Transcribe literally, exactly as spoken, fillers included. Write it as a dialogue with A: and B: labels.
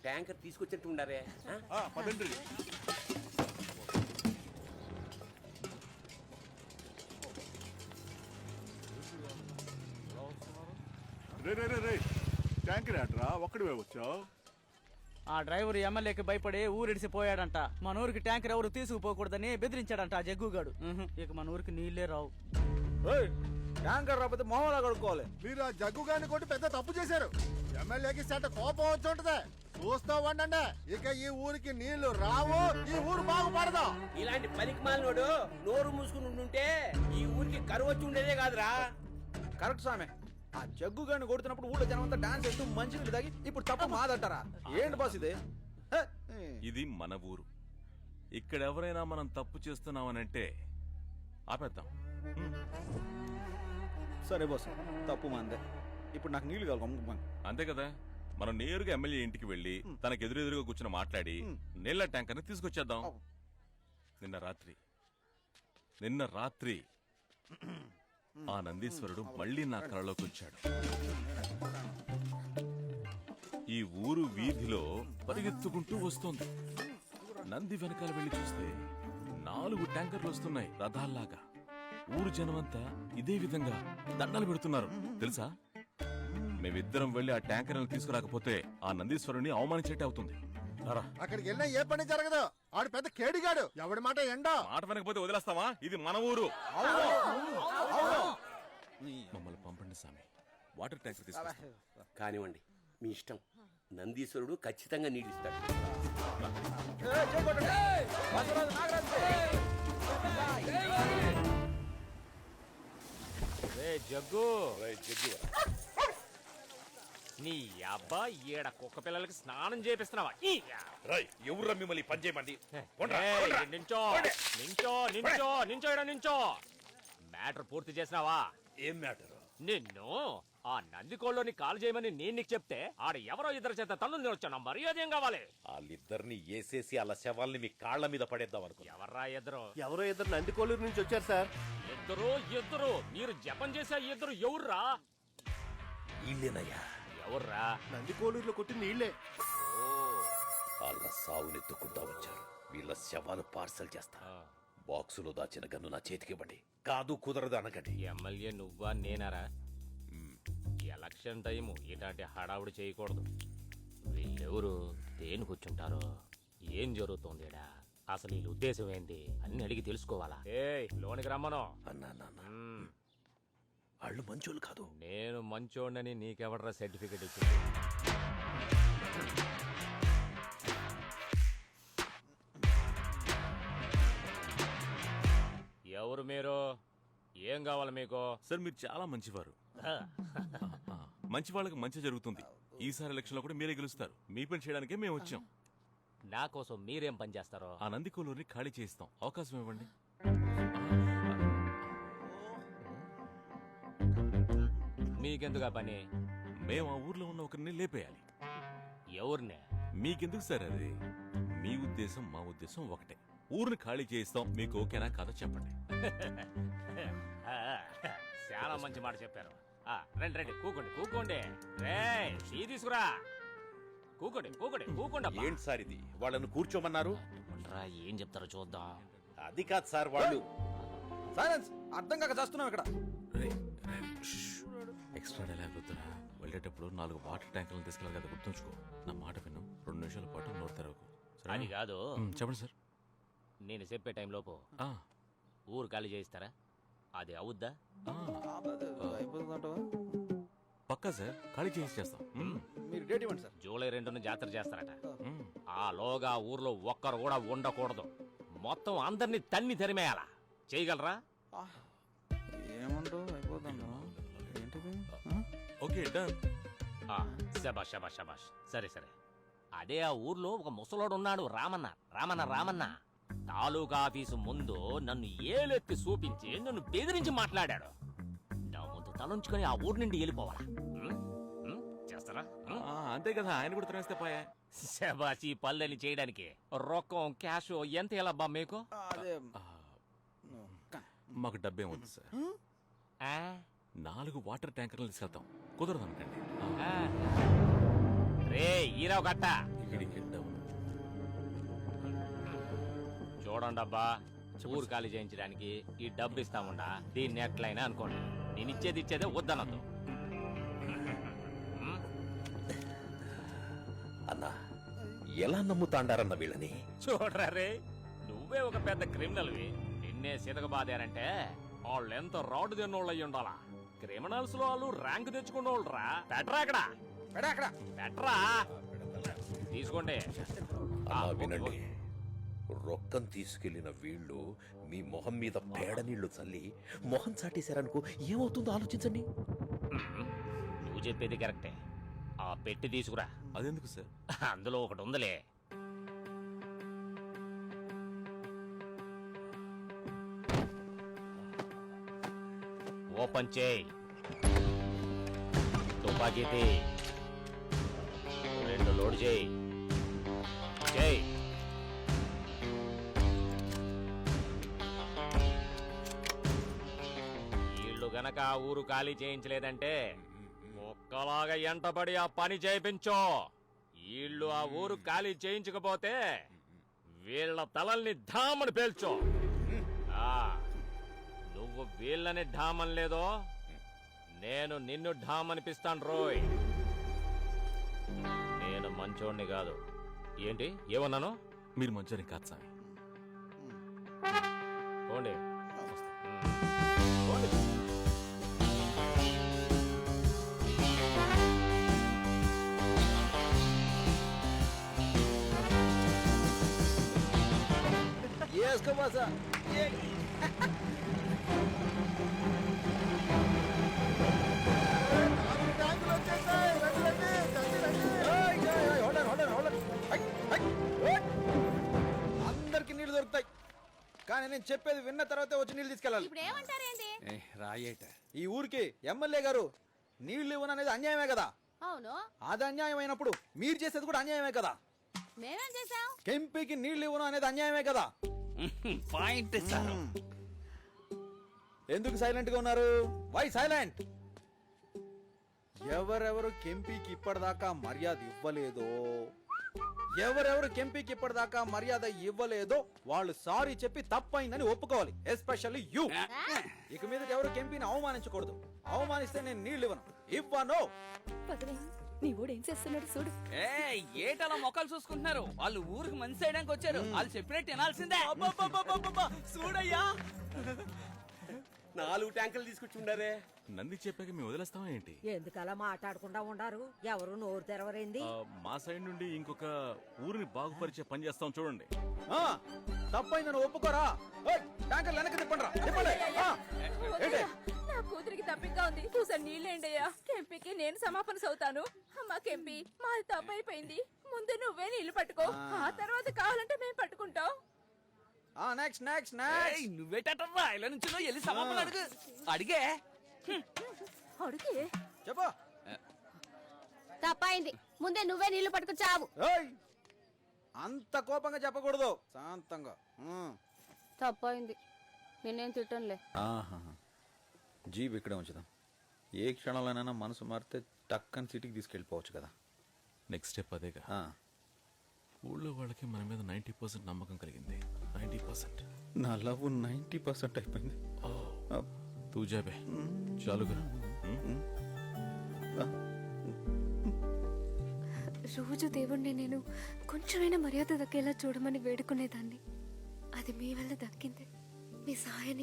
A: Tanker తీసుకొచ్చినట్టు ఉండారే.
B: పదండి. రే రే రే రే tanker ఆటరా ఒక్కడివే వచ్చావు.
C: ఆ డ్రైవర్ ఎమ్మెల్యేకి భయపడి ఊరిడిసిపోయాడంట. మన ఊరికి ట్యాంకర్ ఎవరు తీసుకుపోకూడదని బెదిరించాడంట ఆ జగ్గుగాడు. ఉహు, ఇక మన ఊరికి నీళ్లే రావు.
D: ట్యాంకర్ రాకపోతే మొహంలా కడుక్కోవాలి.
E: మీరు ఆ జగ్గు గారిని కొట్టి పెద్ద తప్పు చేశారు. ఎమ్మెల్యేకి సెట కోపం వచ్చి ఉంటది. చూస్తా ఉండండి, ఇక ఈ ఊరికి నీళ్లు రావు, ఈ ఊరు బాగుపడదు.
A: ఇలాంటి పనికి మాలినోడు నోరు మూసుకుని ఉండుంటే ఈ ఊరికి కరువు వచ్చి ఉండేదే కాదురా.
D: కరెక్ట్ స్వామి. ఆ జగ్గు గారిని కొడుతున్నప్పుడు ఊళ్ళో జనం అంతా డాన్స్ చేస్తూ మంచి నీళ్ళు తాగి ఇప్పుడు తప్పు మాదంటారా? ఏంటి బాస్ ఇది? హే!
F: ఇది మన ఊరు. ఇక్కడ ఎవరైనా మనం తప్పు చేస్తున్నామనంటే ఆపేద్దాం.
D: సరే బాస్, తప్పు మాందే. ఇప్పుడు నాకు నీళ్లు కావాలి.
F: అంతే కదా. మనం నేరుగా ఎమ్మెల్యే ఇంటికి వెళ్లి తనకు ఎదురెదురుగా కూర్చొని మాట్లాడి నీళ్ల ట్యాంకర్ ని తీసుకొచ్చేద్దాం. నిన్న రాత్రి నిన్న రాత్రి ఆ నందీశ్వరుడు మళ్లీ నా కళలోకి వచ్చాడు. ఈ ఊరు వీధిలో పరిగెత్తుకుంటూ వస్తోంది. నంది వెనకాల వెళ్లి చూస్తే నాలుగు ట్యాంకర్లు వస్తున్నాయి రథాల్లాగా. ఊరు జనమంతా ఇదే విధంగా దండలు పెడుతున్నారు తెలుసా. మేమిద్దరం వెళ్లి ఆ ట్యాంకర్ తీసుకురాకపోతే ఆ నందీశ్వరుని అవమానించేట్టు అవుతుంది.
E: అక్కడికి వెళ్ళినా ఏ పని జరగదు. ఆడు పెద్ద కేడిగాడు. ఎవడి మాట ఎండో
F: మాట వెనకపోతే వదిలేస్తావా? ఇది మన ఊరు. మమ్మల్ని పంపండి స్వామి. వాటర్ ట్యాంకర్ తీసుకొస్తాం.
A: కానివ్వండి, మీ ఇష్టం. నందీశ్వరుడు ఖచ్చితంగా నీడిస్తాడు.
G: జగ్గు నీ అబ్బా ఈడ కుక్క పిల్లలకి స్నానం చేపిస్తున్నావా?
H: ఎవరు మిమ్మల్ని పని చేయమంది?
G: నించో నించో నించో నించో ఇడ నించో. మ్యాటర్ పూర్తి చేసినావా?
H: ఏం మ్యాటర్?
G: నిన్ను ఆ నందికోళ్ళని కాల్ చేయమని నేను నీకు చెప్తే ఆడ ఎవరో ఇద్దరు చేత తన్నులు వచ్చాను. మర్యాద ఏం కావాలి?
H: వాళ్ళిద్దరిని వేసేసి అలా శవాల్ని మీ కాళ్ల మీద పడేద్దాం అనుకో.
G: ఎవర్రా ఇద్దరు?
E: ఎవరో ఇద్దరు నందికోలూరు నుంచి వచ్చారు సార్.
G: ఇద్దరు ఇద్దరు మీరు జపం చేసే ఇద్దరు ఎవర్రా?
H: ఇల్లేనయ్యా.
G: ఎవర్రా?
E: నందికోలూరులో కొట్టిన నీళ్లే.
H: వాళ్ళ సావునెత్తుకుంటా వచ్చారు. వీళ్ళ శవాలు పార్సల్ చేస్తా. బాక్సులో దాచిన గన్ను నా చేతికివ్వండి. కాదు కుదరదు అనకండి.
G: ఎమ్మెల్యే నువ్వా నేనారా? ఎలక్షన్ టైము ఇలాంటి హడావుడి చేయకూడదు. వీళ్ళెవరు? దేని కూర్చుంటారో? ఏం జరుగుతోంది? అసలు వీళ్ళ ఉద్దేశం ఏంటి అన్ని అడిగి తెలుసుకోవాలా? ఏ లోనికి రమ్మను.
H: అన్నా నాన్న, వాళ్ళు మంచోళ్ళు కాదు.
G: నేను మంచోడని నీకెవడరా సర్టిఫికెట్ ఇచ్చింది? ఎవరు మీరు? ఏం కావాలి మీకు?
F: సార్ మీరు చాలా మంచివారు. మంచి వాళ్ళకి మంచి జరుగుతుంది. ఈసారి ఎలక్షన్ లో కూడా మీరే గెలుస్తారు. మీ పని చేయడానికే మేము వచ్చాం.
G: నా కోసం మీరేం పని చేస్తారో?
F: ఆ నందికోలూరిని ఖాళీ చేయిస్తాం. అవకాశం ఇవ్వండి.
G: మీకెందుకు పని?
F: మేము ఆ ఊర్లో ఉన్న ఒకరిని లేపేయాలి.
G: ఎవరినే?
F: మీకెందుకు సార్ అది? మీ ఉద్దేశం మా ఉద్దేశం ఒకటే. ఊరిని ఖాళీ చేయిస్తాం. మీకు ఓకేనా కాదో చెప్పండి.
G: చాలా మంచి మాట చెప్పారు. రండి రండి, కూకోండి కూకోండి. రే టీ తీసుకురా. కూకోండి కూకోండి కూకోండి.
H: ఏంటి సార్ ఇది? వాళ్ళను కూర్చోమన్నారు.
G: ఏం చెప్తారో చూద్దాం.
H: అది కాదు సార్, వాళ్ళు.
D: సైలెన్స్. అర్థం కాక చేస్తున్నాం ఇక్కడ.
F: ఎక్స్ట్రా డైలాగ్ వద్దురా. వెళ్ళేటప్పుడు నాలుగు వాటర్ ట్యాంకులను తీసుకెళ్ళాలి కదా, గుర్తుంచుకో. నా మాట విను. రెండు నిమిషాల పాటు నోరు తెరవకు.
G: అది కాదు.
F: చెప్పండి సార్.
G: నేను చెప్పే టైం లోపు ఊరు ఖాళీ చేయిస్తారా? అది అవుద్దా?
F: పక్కా సార్, ఖాళీ చేసి చేస్తాం.
D: మీరు డేట్ ఇవ్వండి సార్.
G: జూలై రెండున జాతర చేస్తారట. ఆ లోగా ఊర్లో ఒక్కరు కూడా ఉండకూడదు. మొత్తం అందరినీ తన్ని తరిమేయాలా? చేయగలరా?
D: ఏమంటావు? అయిపోతుందా? ఏంటిది?
F: Okay done.
G: శబాష్ శబాష్ శబాష్. సరే సరే. అదే ఆ ఊర్లో ఒక ముసలోడు ఉన్నాడు, రామన్న. రామన్న రామన్న తాలూకా ఆఫీసు ముందు నన్ను ఏలెత్తి చూపించి నన్ను బెదిరించి మాట్లాడాడు. నా ముందు తలంచుకొని ఆ ఊరు నుండి వెళ్ళిపోవాలా? చేస్తారా?
F: అంతే కదా, ఆయన కూడా తినేస్తే పోయా.
G: శబాష్. ఈ పల్లెని చేయడానికి రొక్కం క్యాష్ ఎంత ఎలా బా మీకు?
F: మాకు డబ్బే ఉంది సార్. నాలుగు వాటర్ ట్యాంకర్లు తీసుకెళ్తాం. కుదరదు అనకండి.
G: రే ఈరావు కట్ట,
F: ఇది హెడ్ అవును.
G: చూడండి అబ్బా, ఊరు ఖాళీ చేయించడానికి ఈ డబ్బు ఇస్తాముండా, దీన్ని ఎట్లయినా అనుకోండి. నేను ఇచ్చేది ఇచ్చేదే వద్దనద్దు.
H: అన్నా ఎలా నమ్ముతాండారన్న వీళ్ళని?
G: చూడరా రే, నువ్వే ఒక పెద్ద క్రిమినల్వి, నిన్నే సీతక బాధారంటే వాళ్ళు ఎంత రాడు తిన్నోళ్ళు అయ్యి ఉండాలా. క్రిమినల్స్ లో వాళ్ళు ర్యాంక్ తెచ్చుకున్నోళ్ళు రా. పెట్టరా అక్కడ,
D: పెడా అక్కడ
G: పెట్టరా, తీసుకోండి.
H: అన్నా వినండి, రొక్కం తీసుకెళ్లిన వీళ్ళు మీ మొహం మీద పేడ నీళ్లు చల్లి మొహం చాటేశారనుకో ఏమవుతుందో ఆలోచించండి.
G: నువ్వు చెప్పేది కరెక్టే. ఆ పెట్టి తీసుకురా.
F: అదెందుకు సార్?
G: అందులో ఒకటి ఉందిలే. ఓపెన్ చేయి. తుపాకీ తీ. రెండు లోడ్ చేయి. చేయి. వీళ్ళు గనక ఆ ఊరు ఖాళీ చేయించలేదంటే ఒక్కలాగా ఎంటబడి ఆ పని చేయించో. వీళ్ళు ఆ ఊరు ఖాళీ చేయించకపోతే వీళ్ళ తలల్ని ఢామని పేల్చో. ఆ, నువ్వు వీళ్ళని ఢామని లేదో నేను నిన్ను ఢామనిపిస్తాను రోయ్. నేను మంచోడిని కాదు. ఏంటి ఏమన్నాను?
F: మీరు మంచోని కాదు స్వామి.
G: పోండి.
D: వేసుకో బాసా.
E: నాలుగు ట్యాంకులు వచ్చేసాయి. రండి, రండి, రండి, రండి.
D: ఏయ్, ఏయ్, ఏయ్, hold on, hold on, hold on. Hi, hi, ఓయ్. అందరికి నీళ్లు దొరుకుతాయి, కానీ నేను చెప్పేది విన్న తర్వాతే వచ్చి నీళ్లు తీసుకెళ్ళాలి.
I: ఇప్పుడు ఏమంటారేంటి?
A: రాయేట
D: ఈ ఊరికి ఎమ్మెల్యే గారు నీళ్లు ఇవ్వననేది అన్యాయమే కదా.
I: అవును,
D: అది అన్యాయం అయినప్పుడు మీరు చేసేది కూడా అన్యాయమే కదా.
I: మేమేం చేసాం?
D: కెంపీకి నీళ్లు ఇవ్వను అనేది అన్యాయమే కదా.
A: Point sir.
D: ఎందుకు సైలెంట్ గా ఉన్నారు? Why silent? ఎవరెవరు కెంపీకి ఇప్పటిదాకా మర్యాద ఇవ్వలేదో, ఎవరెవరు కెంపీకి ఇప్పటిదాకా మర్యాద ఇవ్వలేదో వాళ్ళు సారీ చెప్పి తప్పైందని ఒప్పుకోవాలి. Especially you. ఇక మీద ఎవరు కెంపీని అవమానించకూడదు. అవమానిస్తే నేను నీళ్లు ఇవ్వను. ఇవ్వను.
I: నీ ఊడు ఏం చేస్తున్నాడు చూడు.
C: ఏ ఏటలా మొక్కలు చూసుకుంటున్నారు? వాళ్ళు ఊరికి మంచి చేయడానికి వచ్చారు. వాళ్ళు చెప్పినట్టు వినాల్సిందే. చూడయ్యా,
A: నాలుగు ట్యాంకులు తీసుకొచ్చి ఉండారే.
F: నంది చెప్పాక మేము వదిలేస్తామా ఏంటి?
J: ఎందుకలా మాట్లాడకుండా ఉండారు? ఎవరు నోరు తెరవరేంది?
F: ఆ, మా సైడ్ నుండి ఇంకొక ఊరిని బాగుపరిచే పని చేస్తాం చూడండి.
D: ఆ, తప్పైందని ఒప్పుకోరా? ఓయ్, ట్యాంకర్ వెనక్కి తిప్పండి రా, తిప్పండి. ఆ, ఏంటి?
I: నా కూతురికి తప్పిగా ఉంది, చూసాను నీళ్ళేండయ్యా. కెంపీకి నేను సమాపన సవుతాను. అమ్మా కెంపీ, మాది తప్పైపోయింది. ముందు నువ్వే నీళ్లు పట్టుకో, ఆ తర్వాత కావాలంటే మేము పట్టుకుంటాం.
D: ఆ, నెక్స్ట్ నెక్స్ట్ నెక్స్ట్.
C: నువ్వేటట్రా ఇలా నుంచి వెళ్ళి సమాపణ అడుగు. అడిగే
I: అడిగి
D: చెప్పు.
I: తప్పైంది, ముందే నువ్వే నీళ్లు పట్టుకు చావు.
D: ఏయ్, అంత కోపంగా చెప్పకూడదు, శాంతంగా. ఉమ్.
I: తప్పైంది, నేనేం తిట్టనులే.
D: జీప్ ఇక్కడే ఉంచుదాం. ఏ క్షణంలోనైనా మనసు మారితే టక్కని సిటీకి తీసుకెళ్ళిపోవచ్చు కదా.
F: నెక్స్ట్ స్టెప్ అదేగా.
D: ఆ,
F: ఊళ్ళో వాళ్ళకి మన మీద నైంటీ పర్సెంట్ నమ్మకం కలిగింది. నైంటీ పర్సెంట్
D: నా లవ్ నైంటీ పర్సెంట్ అయిపోయింది.
F: తూ జాబే చాలుగా.
K: రోజు దేవుణ్ణి నేను కొంచెమైనా మర్యాద దక్కేలా చూడమని వేడుకునేదాన్ని. అది మీ వల్ల దక్కింది. మీ సహాయాన్ని